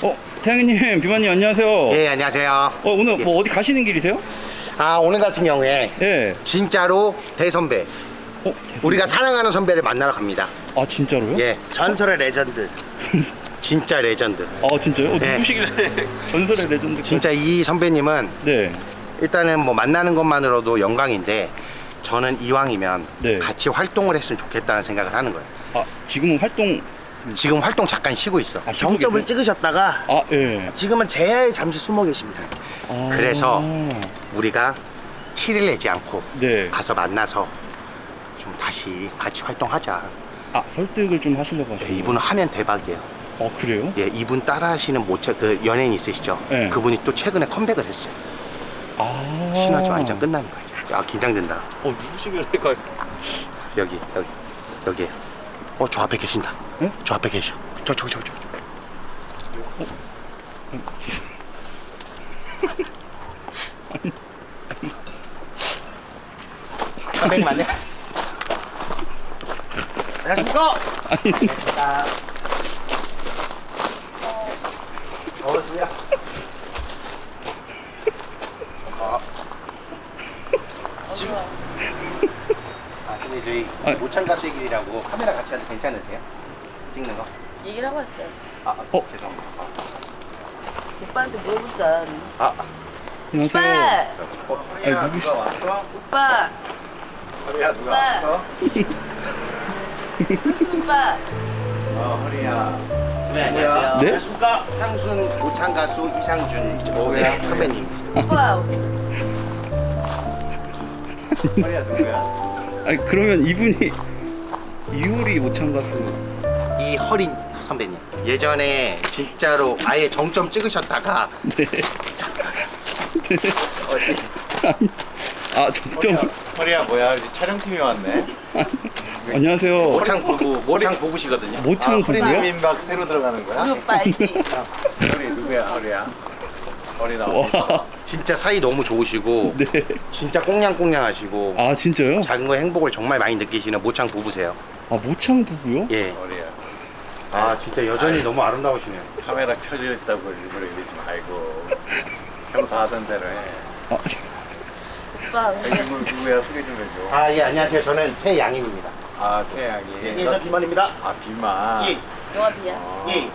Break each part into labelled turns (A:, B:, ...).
A: 태양님, 비만님 안녕하세요.
B: 예, 안녕하세요.
A: 오늘 뭐 어디 가시는 길이세요?
B: 아, 오늘 같은 경우에
A: 예.
B: 진짜로 대선배,
A: 대선-
B: 우리가 사랑하는 선배를 만나러 갑니다.
A: 아 진짜로요?
B: 예, 전설의 레전드. 진짜 레전드.
A: 아 진짜요?
B: 예.
A: 누구시길래 전설의 레전드?
B: 진짜 이 선배님은
A: 네.
B: 일단은 뭐 만나는 것만으로도 영광인데 저는 이왕이면
A: 네.
B: 같이 활동을 했으면 좋겠다는 생각을 하는 거예요.
A: 아 지금은 활동.
B: 지금 활동 잠깐 쉬고 있어.
A: 아, 쉬고
C: 정점을
A: 계세요?
C: 찍으셨다가
A: 아 예.
C: 지금은 제야에 잠시 숨어 계십니다.
A: 아,
B: 그래서 우리가 티를 내지 않고
A: 네.
B: 가서 만나서 좀 다시 같이 활동하자.
A: 아 설득을 좀 하시려고
B: 예,
A: 하시는.
B: 이분은 하면 대박이에요.
A: 그래요?
B: 예, 이분 따라 하시는 그 연예인 있으시죠?
A: 네.
B: 그분이 또 최근에 컴백을 했어요.
A: 아.
B: 신화지 완전 끝나는 거예요. 아, 긴장된다.
A: 누구시길래
B: 여기. 저 앞에 계신다. 응? 저 앞에 계셔. 저기. 선생님 안녕하십니까? 안녕하십니까? 어서오세요. 근데 저희 모창가수의 길이라고 카메라 같이 해도 괜찮으세요? 찍는 거?
D: 얘기를 하고 왔어야지.
B: 죄송합니다.
D: 오빠한테 물어보자.
A: 안녕하세요.
D: 오빠!
A: 아니, 누구시?
B: 왔어?
D: 오빠!
B: 허리야
D: 누가 왔어? 오빠!
B: 허리야. 네, 안녕하세요.
A: 네?
B: 안녕하십니까? 향순 모창가수 이상준 선배님.
D: 오빠!
B: 허리야 누구야?
A: 아니 그러면 이분이 이효리 모창 가수.
B: 이허린 선배님. 예전에 진짜로 아예 정점 찍으셨다가
A: 아 정점.
E: 허리야 뭐야 여기 촬영팀이 왔네.
A: 안녕하세요.
B: 모창 부부시거든요.
A: 모창 부부요?
E: 허리 민박 새로 들어가는 거야?
D: 우리 오빠 알지?
E: 허리 누구야 허리야? 허리 나와.
A: 와.
B: 진짜 사이 너무 좋으시고
A: 네.
B: 진짜 꽁냥꽁냥하시고
A: 아 진짜요?
B: 작은 거 행복을 정말 많이 느끼시는 모창 부부세요.
A: 아 모창 부부요?
B: 예.
E: 허리야.
B: 아 진짜 여전히 너무 아름다우시네요.
E: 카메라 켜져 있다고 일부러 이러지 말고 평소 하던 대로 해.
A: 아,
D: 오빠
E: 여기 누구야 소개 좀 해줘.
B: 아 예 안녕하세요. 저는 태양인입니다.
E: 아 태양이.
B: 예, 저 비만입니다.
E: 아 비만.
B: 예.
D: 영화 비야?
B: 예.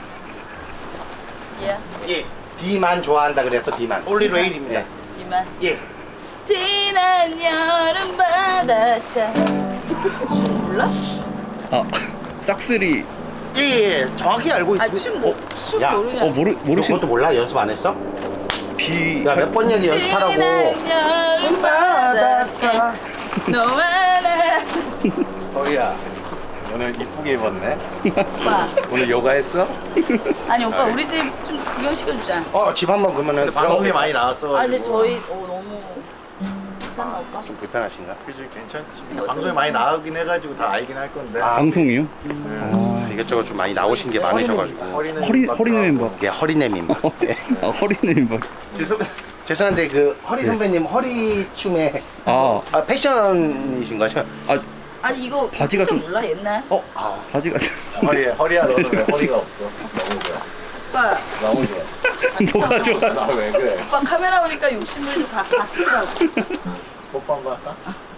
D: 비야?
B: 예. 비만 좋아한다 그래서 비만.
D: 올리
B: 레일입니다.
D: 비만?
B: 예.
D: 지난 여름 바닷가 몰라?
A: 아 싹쓸이.
C: 예, 정확히 알고
D: 아
C: 있습니다.
D: 춤
B: 야,
D: 모르냐?
A: 모르신
B: 그것도 몰라? 연습 안 했어?
A: 비.
B: 야 몇 번 얘기 연습하라고.
D: 지난 여름 바닷가 너와 나
E: 허리야. 오늘 이쁘게 입었네.
D: 오빠
E: 오늘 요가 했어?
D: 아니 오빠 우리 집 좀 구경시켜주자.
B: 집 한번 그러면은
E: 방송에 많이 나왔어.
D: 아 근데 저희 너무 괜찮나 오빠?
B: 좀 불편하신가?
E: 그지 괜찮지. 방송에 많이 나오긴 해가지고 다 알긴 할 건데.
A: 방송이요?
B: 이것저것 좀 많이 나오신 게 많으셔가지고.
E: 허리는
A: 허리네 멤버.
B: 예, 허리네입니다. 예.
A: 허리네 멤버.
B: 죄송한데 그 허리 선배님 허리 춤에 패션이신 거죠?
D: 아니 이거
A: 바지가 좀-
D: 몰라 옛날?
A: 바지가
E: 허리야 너는 왜 허리가 없어? 너무 좋아.
D: 오빠
E: 너무 좋아.
A: 뭐가 좋아?
E: 나 왜 그래?
D: 오빠 카메라 오니까 욕심을 좀 갖추라고.
E: 뽀뽀 한번 할까?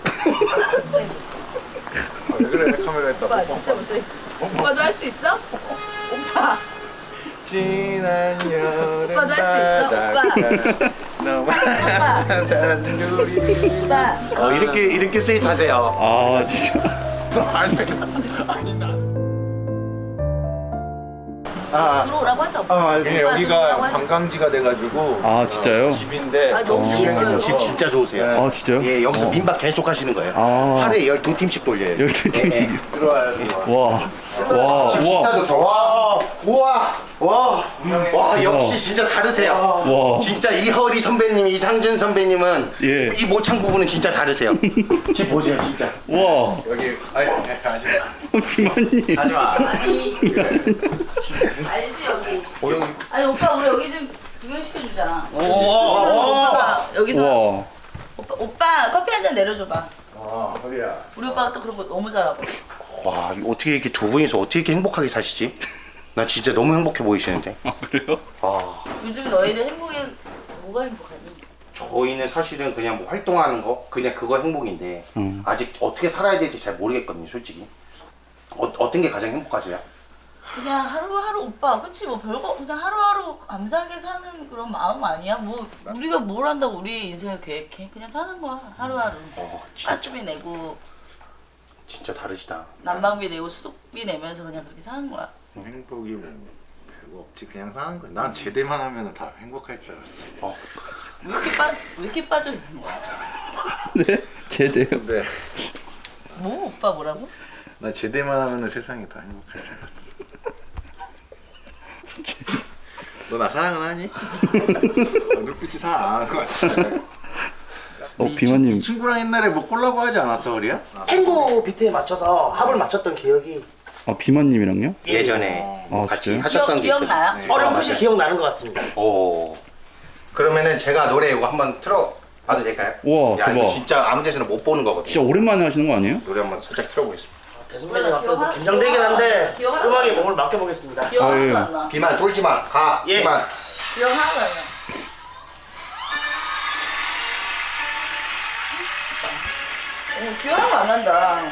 E: 왜 그래 카메라에다
D: 오빠
E: 뽀뽀
D: 진짜
E: 한번.
D: 못해. 오빠도 할 수 있어? 오빠
E: 지난 여름
D: 오빠도 할 수 있어?
E: 바닷가 너만 단둘이.
D: 오빠
B: 이렇게 스윗하세요.
A: 아 진짜.
E: 아니 나
D: 들어오라고 하자. 오빠.
E: 그냥
D: 오빠
E: 여기가
D: 들어오라고 하자.
E: 관광지가 돼가지고
A: 아, 진짜요?
E: 집인데
D: 아, 너무
E: 유명해요.
B: 집 진짜 좋으세요.
A: 아 진짜요?
B: 예, 여기서 민박 계속 하시는 거예요.
A: 아.
B: 하루에 12팀씩 돌려요.
A: 12팀.
B: 예, 예.
E: 들어와요 들어와.
A: 와
B: 진짜 좋다. 와, 역시 진짜 다르세요.
A: 와.
B: 진짜 이허리 선배님, 이상준 선배님은
A: 예.
B: 이 모창 부부는 진짜 다르세요. 집 보세요, 진짜.
A: 와.
E: 여기 아니 하지마
A: 비만님.
E: 하지마.
D: 아니 알지 여기. 아니 오빠 우리 여기 좀 구경시켜주자. 오빠 여기서
A: 와.
D: 오빠 커피 한 잔 내려줘봐.
E: 허리야.
D: 우리 오빠가 또 그런 거 너무 잘하고.
B: 와, 어떻게 이렇게 두 분이서 어떻게 이렇게 행복하게 사시지? 나 진짜 너무 행복해 보이시는데.
A: 아 그래요?
B: 아,
D: 요즘 너희들 행복해 뭐가 행복하니?
B: 저희는 사실은 그냥 뭐 활동하는 거 그냥 그거 행복인데 아직 어떻게 살아야 될지 잘 모르겠거든요, 솔직히. 어떤 게 가장 행복하세요?
D: 그냥 하루하루 오빠 그치 뭐 별거 그냥 하루하루 감사하게 사는 그런 마음 아니야? 뭐 우리가 뭘 한다고 우리 인생을 계획해? 그냥 사는 거야 하루하루.
B: 진짜,
D: 가스비 내고
B: 진짜 다르시다.
D: 난방비 내고 수도비 내면서 그냥 그렇게 사는 거야.
E: 행복이 뭐 별거 없지. 그냥 사는 거야. 난 제대만 하면 다 행복할 줄 알았어.
D: 왜 이렇게 빠져 있는 거야?
A: 네? 제대요?
E: 근데
D: 뭐 오빠 뭐라고?
E: 나 제대만 하면 세상이 다 행복할 줄 알았어. 너 나 사랑은 하니? 눈빛이 사랑 안 하는 것 같아.
A: 비만님.
E: 이 친구랑 옛날에 뭐 콜라보 하지 않았어, 허리야?
C: 탱고 비트에 맞춰서 합을 맞췄던 기억이
A: 아 비만님이랑요?
B: 예전에
A: 아,
B: 같이
A: 진짜요?
B: 하셨던 게
D: 기억나요?
B: 있거든요.
C: 어렴풋이 기억나는 것 같습니다.
B: 오. 그러면은 제가 노래 이거 한번 틀어봐도 될까요?
A: 우와,
B: 야, 이거
A: 대박.
B: 진짜 아무 데서나 못 보는 거거든요.
A: 진짜 오랜만에 하시는 거 아니에요?
B: 노래 한번 살짝 틀어보겠습니다.
C: 대선배님 앞에서 긴장되긴 한데
D: 기억-
C: 음악에 몸을 맡겨보겠습니다.
D: 기억
A: 아, 예.
D: 하나도 안 나.
B: 비만 쫄지 마. 가.
C: 예.
B: 비만.
D: 기억 하나도 안 나. 기억 하나도 안 난다.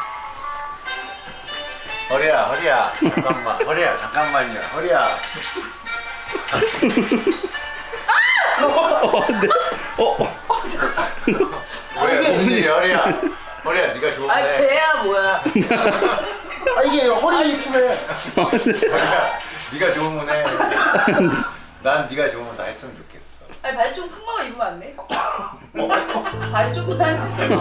E: 허리야, 잠깐만. 허리야, 잠깐만요. 허리야. 왜 무슨 일이야, 허리야? 허리야, 네가
D: 아니
E: 좋은데.
D: 배야 뭐야?
C: 아 이게 허리 춤에
E: 허리야, 네가 좋으면 해. 난 네가 좋으면 다 했으면 좋겠어.
D: 아니 바지 좀 큰 거만 입으면 안 돼? 바지 좀 한치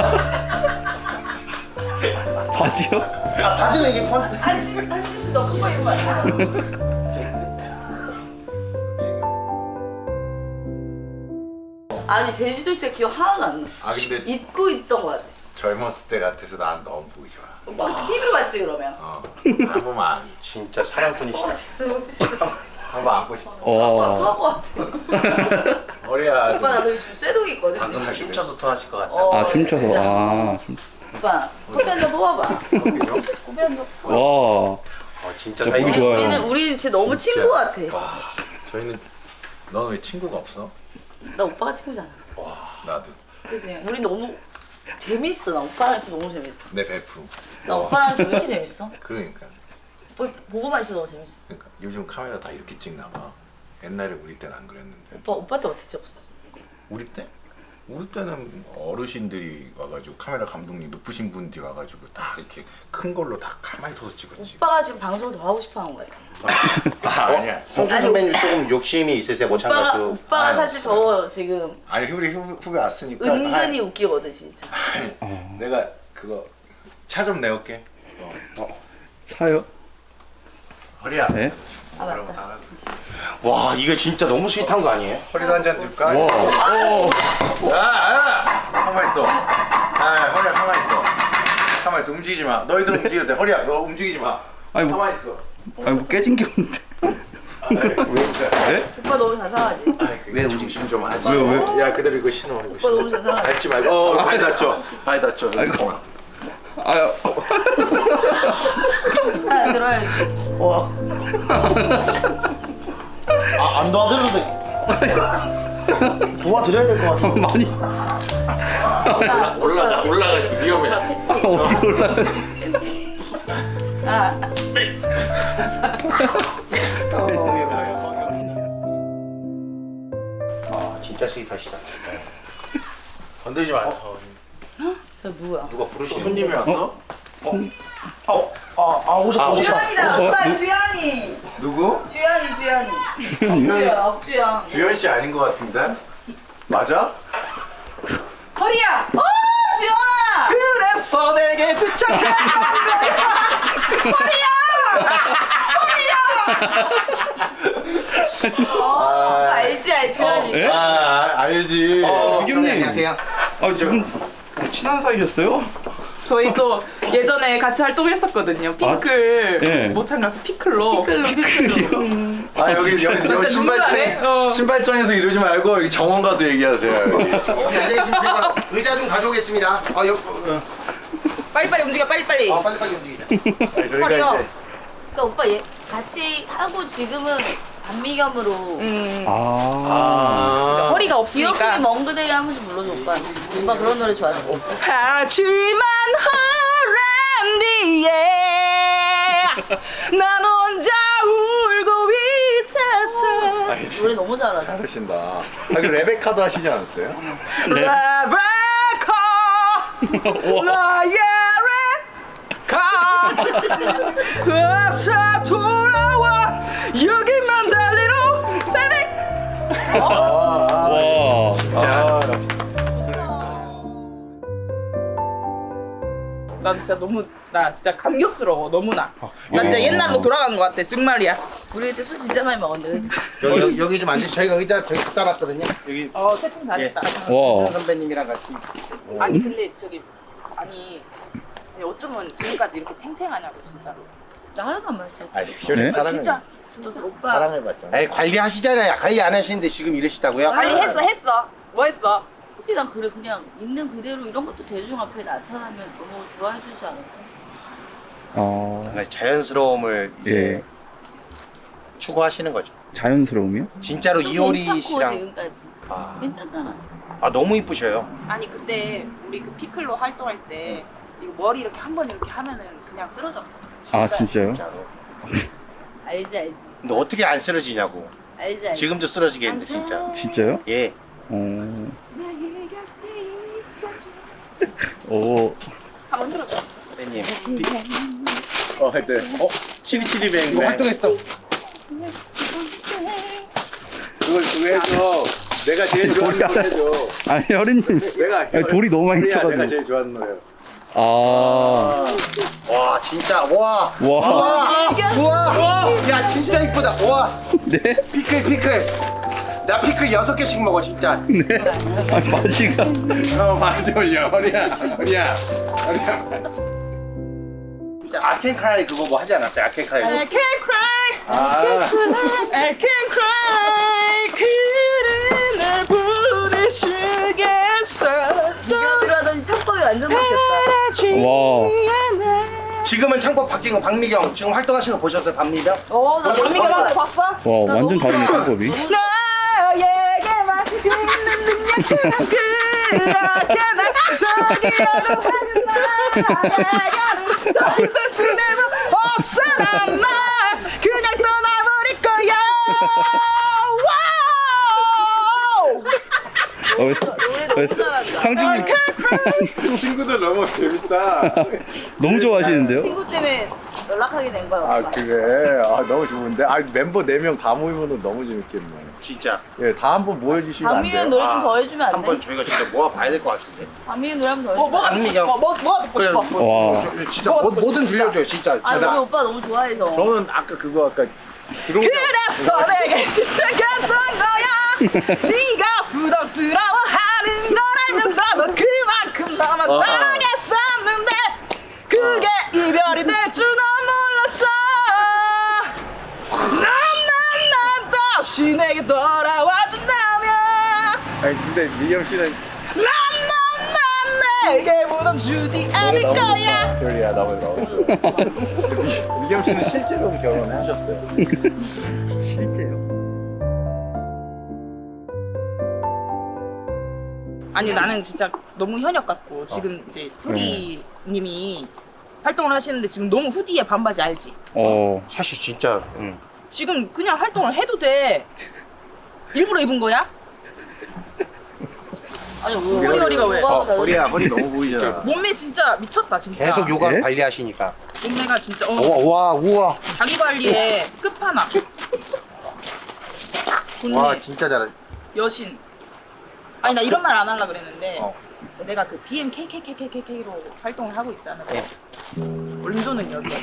A: 바지요?
C: 아 바지는 이게 컨셉.
D: 한치 더 큰 거 입으면 안 돼? 아니 제주도 있을 때 기억 하나도 안 나.
E: 아, 근데-
D: 잊고 있던 거 같아.
E: 젊었을 때 같아서 난 너무 보기 좋아.
D: 오빠 TV로 봤지 그러면?
E: 한 번만,
B: 진짜 사랑꾼이시다.
E: 한번 안고 싶어.
A: 어.
D: 토할 것 같아.
E: 허리야,
D: 오빠 나 그리고 지금 쇠독이 있거든.
B: 방금
D: 지금.
B: 춤춰서 토하실 것 같다.
D: 어,
A: 아 춤춰서.
D: 진짜.
A: 아.
D: 오빠 커피 한 잔 뽑아봐. 커피 한 잔.
A: 와.
B: 진짜
A: 저
B: 사이
A: 보기 좋아요.
D: 우리 진짜 너무 친구 같아.
E: 저희는 너는 왜 친구가 없어?
D: 나 오빠가 친구잖아.
E: 나도.
D: 그지? 우리 너무 재밌어. 나 오빠랑 있으면 너무 재밌어.
E: 내 베프.
D: 나 오빠랑 있으면 왜 이렇게 재밌어?
E: 그러니까.
D: 보고만 있어도 너무 재밌어.
E: 그러니까 요즘 카메라 다 이렇게 찍나 봐. 옛날에 우리 때는 안 그랬는데.
D: 오빠 때 어떻게 찍었어?
E: 우리 때? 우리 때는 어르신들이 와가지고 카메라 감독님 높으신 분들이 와가지고 다 이렇게 큰 걸로 다 가만히 서서 찍었지.
D: 오빠가 지금 방송을 더 하고 싶어 하는 거야.
E: 아니야.
B: 성준 선배님 조금 욕심이 있으세요, 모창 가수.
D: 오빠가
E: 아유,
D: 사실 더 지금
E: 아니 우리 후배 왔으니까.
D: 은근히 웃기거든 진짜.
E: 내가 그거 차 좀 내올게.
A: 차요?
E: 허리야.
A: 네?
D: 아 맞다.
B: 와, 이게 진짜 너무 스윗한 거 아니에요?
E: 허리도 한 잔 줄까?
A: 와.
E: 가만 있어. 허리야 가만 있어. 가만 있어. 움직이지 마. 너희들 움직여도 돼. 허리야 너 움직이지 마.
A: 아니 뭐,
E: 가만 있어.
A: 아니 뭐 깨진 게 없는데.
E: 왜 그래?
A: 네?
D: 오빠 너무 자상하지?
E: 왜 움직임 좀 하지?
A: 왜요?
E: 야 그대로 이거 신어. 이거
D: 오빠 너무
E: 신어.
D: 자상하지?
E: 밟지 말고. 발이 다쳐. 발이 다쳐.
A: 아이고. 아유.
D: 아 들어야지. 와.
C: 아안 도와드려도 돼. 도와드려야 될 것 같아.
A: 많이.
E: 올라가지 위험해.
A: 어디 올라가?
D: 아
B: 아, 진짜 스윗하시다.
E: 건들지 마.
D: 저 누구야?
B: 누가 부르시는
E: 손님이 왔어?
C: 오셨다.
D: 주연이다.
A: 저,
D: 오빠
A: 누-
D: 주연이.
E: 누구?
D: 주연이.
A: 주연이요?
D: 억주연.
E: 주현 씨 아닌 것 같은데? 맞아?
D: 허리야. 주연아.
F: 그래서 내게 추천해.
D: 알지 주연이.
A: 예?
E: 알지.
A: 비겸님.
B: 안녕하세요.
A: 아 두분 친한 사이셨어요?
F: 저희 또 예전에 같이 활동했었거든요. 핑클
A: 네.
F: 모창 가수 피클로.
E: 아 여기
F: 진짜 눈물 나네.
E: 신발장에서 이러지 말고 여기 정원 가서 얘기하세요. 여기.
B: 여기 앉아계시면 제가 의자 좀 가져오겠습니다.
F: 빨리빨리 움직여 빨리빨리.
B: 빨리빨리 움직이자.
E: 저희가
F: 허리요.
E: 이제
D: 그러니까 오빠 얘 같이 하고 지금은 반미겸으로
A: 아.
F: 허리가
D: 기억속의
F: 없으니까.
D: 먼 그대에 한 번씩 불러줘 오빠. 오빠 그런 노래 좋아하는 거.
F: 하지만 허란 뒤에 난 혼자 울고 있었어.
D: 노래 너무 잘하지.
E: 잘하신다. 아, 그 레베카도 하시지 않았어요?
F: 레베카 나의 레베카 어서 돌아와 여기만 달리로 레베.
A: 와.
F: 나 진짜 감격스러워 너무나. 나 진짜 옛날로 돌아간 것 같아 정말이야.
D: 우리 그때 술 진짜 많이 먹었는데. 그치?
B: 여기 좀 앉으시. 저희가 의자 저기 갖다 놨거든요. 여기
F: 세팅 다 됐다.
A: 와.
B: 선배님이랑 같이.
F: 아니 근데 아니 어쩌면 지금까지 이렇게 탱탱하냐고 진짜로.
D: 나 하나도 안 마셨지.
E: 아니,
A: 네?
F: 진짜
D: 오빠
E: 사랑해봤잖아.
B: 아니 관리하시잖아요. 관리 안 하시는데 지금 이러시다고요?
F: 빨리 했어. 뭐 했어?
D: 솔직히 난 그래 그냥 있는 그대로 이런 것도 대중 앞에 나타나면 너무 좋아해 주지 않을까?
B: 그러니까 자연스러움을 이제
A: 예.
B: 추구하시는 거죠.
A: 자연스러움이요?
B: 진짜로 이효리
D: 괜찮고
B: 씨랑
D: 지금까지
B: 아,
D: 괜찮잖아.
B: 아 너무 이쁘셔요.
F: 아니 그때 우리 그 피클로 활동할 때 이거 머리 이렇게 한 번 이렇게 하면은 그냥 쓰러졌거든.
A: 아 진짜요?
B: 진짜로.
D: 알지 알지
B: 근데 어떻게 안 쓰러지냐고.
D: 알지 알지.
B: 지금도 쓰러지겠는데 진짜.
A: 진짜요?
B: 예.
A: 오.
F: 한번 들어줘.
B: 선배님.
E: 네. 7272뱅.
B: 이거 활동했어.
E: 그거 해줘. 내가 제일 좋아하는 노래 해줘.
A: 아니 혈이님.
E: 내가
A: 아니, 돌이 너무 많이
E: 내가
A: 쳐가지고.
E: 제일 좋아하는 노래.
A: 아.
B: 와 진짜 와.
A: 와.
B: 우와. 야 진짜 이쁘다. 와.
A: 네?
B: 피클. 나 피클 6개씩 먹어 진짜.
A: 네. 아 바지가.
E: 많이 올려. 허리야.
B: 아켄크라이 그거 뭐 하지 않았어요? 아켄크라이.
F: I can cry,
E: 아.
F: I can cry. 그를 날 보내주겠어.
D: 비교비로 하더니 창법이 완전 바뀌었다.
A: 와.
B: 지금은 창법 바뀐 거 박미경 지금 활동하시는 거 보셨어요? 박미경?
D: 나
F: 박미경한테 봤어?
A: 와 완전 다르네 창법이.
F: 너에게만 있는 능력처럼 그렇게 날 속이려고 하는 나를 더 이상 수뇌부 없어난 날 그냥 떠나버릴 거야.
D: 노래 너무 잘한다.
A: 상준님
E: 친구들 너무 재밌다.
A: 너무 좋아하시는데요?
D: 친구 때문에 연락하게 된 거야.
E: 아
D: 오빠.
E: 그래. 아 너무 좋은데. 아 멤버 4명 다 모이면 너무 재밌겠네.
B: 진짜
E: 예, 다 한번 모여주시면 안
D: 박미연
E: 돼요?
D: 노래 좀 더 해주면 안
B: 한번
D: 돼?
B: 저희가 진짜 모아봐야 될 것 같은데.
D: 박미연 노래 한 번 더 해주면 안 돼?
B: 박미경.
F: 뭐가 듣고 싶어?
A: 와.
B: 진짜 뭐든 들려줘요 진짜.
D: 아 우리
B: 제가
D: 오빠 너무 좋아해서.
E: 저는 아까 그거 아까 들어오자.
F: 그래서 내게 시작했던 거야. 네가 부담스러워하는 걸 알면서도 그만큼 너만 사랑했었는데 그게 이별이 될 줄 난 몰랐어. 난 다시 내게 돌아와준다면
E: 아니 근데 미경 씨는
F: 난 내게 부담 주지 않을 거야.
E: 별이야 나머지 나오죠. 미경 씨는 실제로 결혼하셨어요.
A: 실제요?
F: 아니 나는 진짜 너무 현역 같고 지금 이제 효리님이 활동을 하시는데 지금 너무 후디에 반바지 알지?
B: 사실 진짜
F: 지금 그냥 활동을 해도 돼. 일부러 입은 거야?
D: 아니
F: 허리가 왜?
E: 허리야 허리 너무 보이잖아.
F: 몸매 진짜 미쳤다 진짜.
B: 계속 요가를
A: 네?
B: 관리하시니까.
F: 몸매가 진짜
B: 우와.
F: 자기 관리에 끝판왕. 좋네.
B: 와 진짜 잘하.
F: 여신. 아니 나 이런 말 안 하려고 그랬는데 내가 그 BMKKKKK로 활동을 하고 있잖아. 원조는 여기야.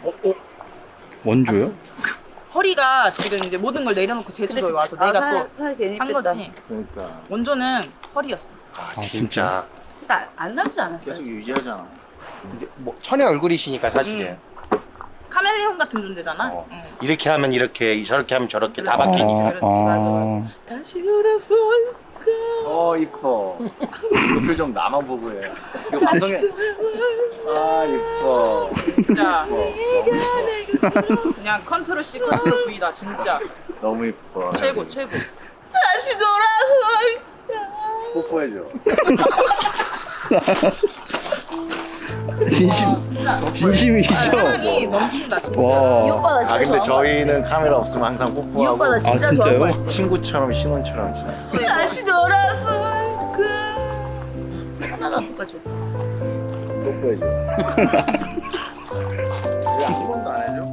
A: 원조요?
F: 허리가 지금 이제 모든 걸 내려놓고 제주도에 와서 내가
D: 살 괜히
F: 또 한
D: 뺐다.
F: 거지.
E: 그러니까
F: 원조는 허리였어.
A: 아 진짜?
D: 그러니까 안 닮지 않았어요?
E: 계속 유지하잖아.
B: 뭐 천의 얼굴이시니까 사실은.
F: 카멜레온 같은 존재잖아. 응.
B: 이렇게 하면 이렇게 저렇게 하면 저렇게 다
F: 그렇지.
B: 바뀌니까.
F: 그렇지, 맞아. 다시 돌아볼
E: 이뻐. 그 표정 나만 보고 해. 이거 방송에. 아 이뻐.
F: 진짜
E: 이뻐.
F: 그냥 컨트롤 C 컨트롤 V다 진짜.
E: 너무 이뻐.
F: 최고 최고.
D: 다시 돌아올까?
E: 뽀뽀해줘.
A: 진심이시죠?
F: 사랑이 넘친다 진짜.
D: 이
A: 와.
D: 오빠 나 진짜
E: 아 근데
D: 좋아하는 거
E: 저희는 카메라 없으면 항상
D: 이
E: 뽀뽀하고
D: 오빠 나 진짜
A: 아, 진짜요?
D: 좋아하는 거 알지?
E: 친구처럼 신혼처럼 진짜.
D: 다시 돌아올까? 하나도 안 똑같이 오빠.
E: 뽀뽀해줘. 왜한 번도 안 해줘?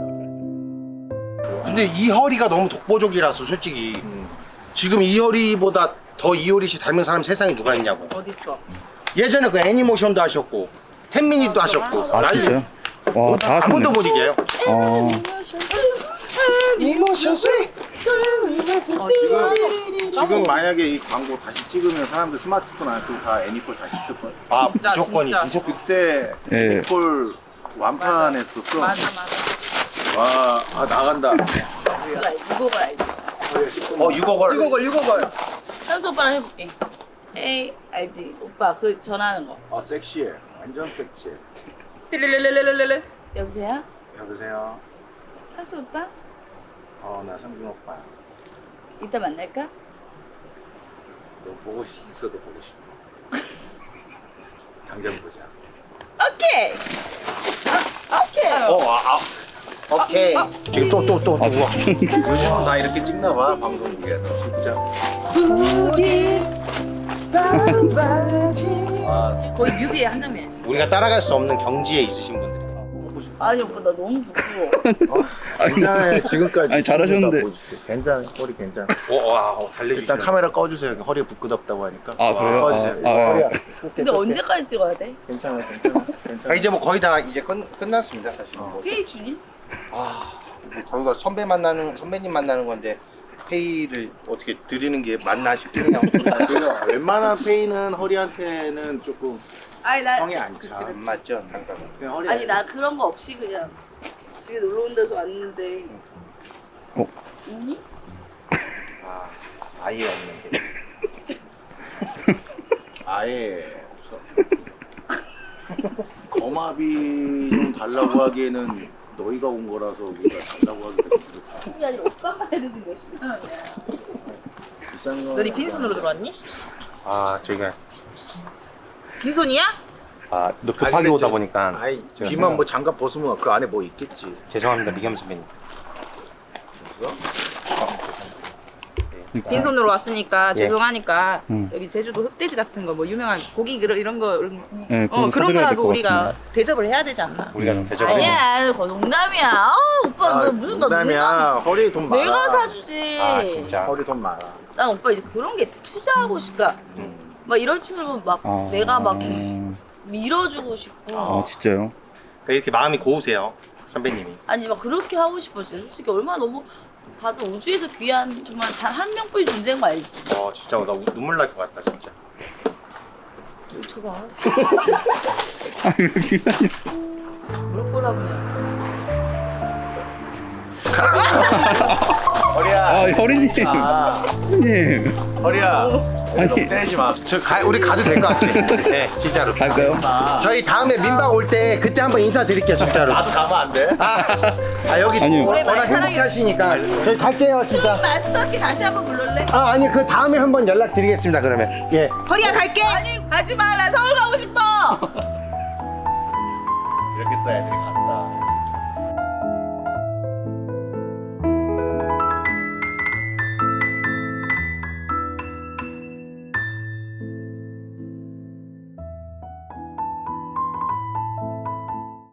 B: 근데 이효리가 너무 독보적이라서 솔직히 지금 이효리보다 더 이효리 씨 닮은 사람 세상에 누가 있냐고.
F: 어딨어?
B: 예전에 그 애니모션도 하셨고 10미닛도 하셨고
A: 아 진짜요? 와, 다 하셨네.
B: 아무도 못 이겨요. 이모션 쓰리.
E: 지금 만약에 이 광고 다시 찍으면 사람들 스마트폰 안 쓰고 다 애니콜 다시 쓸 거야.
B: 아
F: 진짜,
B: 무조건이지.
F: 진짜.
E: 그때
A: 예.
E: 애니콜 완판했었어.
F: 맞아.
E: 와, 아 나간다.
D: 이거 봐야지.
B: 6억을.
F: 6억을.
D: 현수 오빠랑 해볼게. 에이 알지? 오빠 그 전화하는 거.
E: 아 섹시해. 완전 섹시해.
F: 띠리리리리리리.
D: 여보세요?
E: 여보세요.
D: 현수 오빠?
E: 나 성준 오빠야.
D: 이따 만날까?
E: 너 보고 있어도 보고 싶어. 당장 보자.
D: 오케이. 오케이.
B: 오케이. 지금 또
A: 아,
B: 누워.
E: 요즘은 다 이렇게 찍나 봐 방송국에서.
B: 진짜.
F: 거의 뮤비의 한 장면이지.
B: 우리가 따라갈 수 없는 경지에 있으신 분들이.
D: 아니 오빠 나 너무 부끄러워.
E: 괜찮아요. 지금까지.
A: 아니, 잘하셨는데.
E: 괜찮아. 허리 괜찮아.
B: 달래주시네.
E: 일단 카메라 꺼주세요. 허리가 부끄럽다고 하니까.
A: 아, 그래요?
E: 꺼주세요.
A: 아, 아,
E: 허리야.
D: 근데 언제까지 찍어야 돼?
E: 괜찮아. 괜찮아.
B: 이제 뭐 거의 다 이제 끝났습니다 사실.
D: 회의 주니?
B: 저희가 선배님 만나는 건데 페이를 어떻게 드리는 게 맞나 싶긴 해요.
E: 그래요. 웬만한 페이는 허리한테는 조금
D: 아니 나
E: 성이 안 차.
B: 안 맞죠?
E: 그냥 허리.
D: 아니 나 그런 거 없이 그냥 집에 놀러 온 데서 왔는데. 있니?
B: 아예 없는데.
E: 아예 없어. 거마비 좀 달라고 하기에는 너희가 온 거라서 우리가 달라고 하기가 좀 그렇다.
D: 그게 아니라 옷값만 해도 지금 몇십만 원이야.
E: 비싼 거.
F: 너네 빈손으로 들어왔니?
B: 저희가
F: 빈손이야?
B: 너 급하게 오다 보니까
E: 아이
B: 제가
E: 비만 뭐 장갑 벗으면 그 안에 뭐 있겠지.
B: 죄송합니다 미겸 선배님.
F: 빈손으로 왔으니까
B: 예.
F: 죄송하니까
A: 응.
F: 여기 제주도 흑돼지 같은 거 뭐 유명한 고기 이런 거
A: 네, 그거
F: 그런
A: 사드려야 될
F: 거라도
A: 것
F: 우리가
A: 같습니다.
F: 대접을 해야 되지 않나?
B: 우리가 좀 대접을
D: 아니야 그거 농담이야. 오빠 너 무슨 너 농담?
E: 농담이야. 허리 돈 많아.
D: 내가 사주지.
B: 진짜.
E: 허리 돈 많아.
D: 난 오빠 이제 그런 게 투자하고 싶다. 막 이런 친구를 막 내가 막 밀어주고 싶고.
A: 진짜요?
B: 이렇게 마음이 고우세요 선배님이.
D: 아니 막 그렇게 하고 싶어 진짜. 솔직히 얼마나 너무 다들 우주에서 귀한 정말 단 한 명뿐인 존재인 거 알지?
B: 진짜 나 눈물 날 것 같다 진짜.
D: 저거
A: 아, 이렇게
D: 뭘 꼬라보냐.
E: 허리야.
A: 혈이님.
E: 아,
A: 혈이님.
E: 허리야.
A: 아니.
E: 때리지 마.
B: 우리 가도 될 것 같아. 네 진짜로.
A: 갈까요?
B: 저희 다음에 민박 올 때 그때 한번 인사드릴게요 진짜로.
E: 나도 가면 안 돼?
B: 여기
A: 아니요.
B: 워낙 행복하시니까 저희 갈게요 진짜.
D: 마스터키 다시 한번 불러래?
B: 아니 그 다음에 한번 연락드리겠습니다 그러면. 예.
F: 허리야 갈게.
D: 아니 가지 마. 나 서울 가고 싶어.
E: 이렇게 또 애들이 간다.